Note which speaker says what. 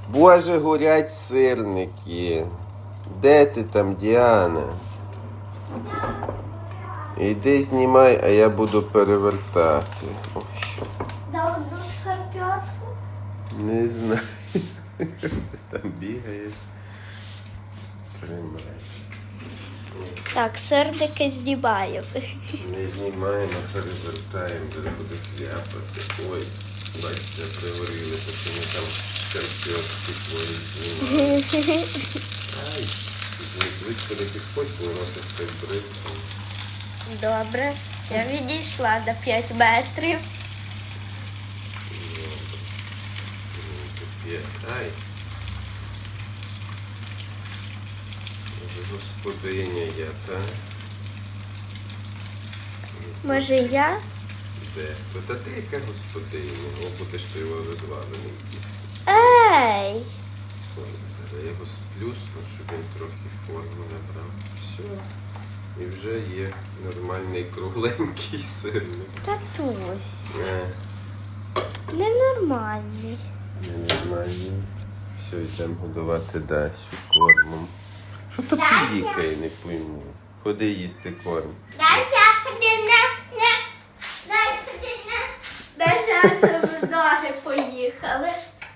Speaker 1: Боже, горять сирники. Де ти там, Діана? Іди знімай, а я буду перевертати. Ой, що?
Speaker 2: Да одну шкарпетку.
Speaker 1: Не знаю. Ти там бігаєш. Тримай.
Speaker 2: Так, сирники знімаю.
Speaker 1: Не знімаємо, перевертаємо, де буде хляпати. Ой, бачите, приварилися, що ми там шкарпетки твої знімали. Ай, звичайно не підходь, бо воно щось так бриться.
Speaker 2: Добре. Я відійшла до 5 метрів.
Speaker 1: Ай. Може, господиня я, так?
Speaker 2: Може я?
Speaker 1: Де? Та ти яка господиня? О, будеш ти його розвалений їсти.
Speaker 2: Ей!
Speaker 1: Ой, зараз я його сплюсну, щоб він трохи форму набрав. Все. І вже є нормальний кругленький сирник.
Speaker 2: Татусь. Ненормальний.
Speaker 1: Ненормальний. Все, йдемо годувати Дасю кормом. Що то пікає, не пойму. Ходи їсти корм.
Speaker 2: Дася, ходи на. Дася, ходи на. Дася, щоб ноги поїхали.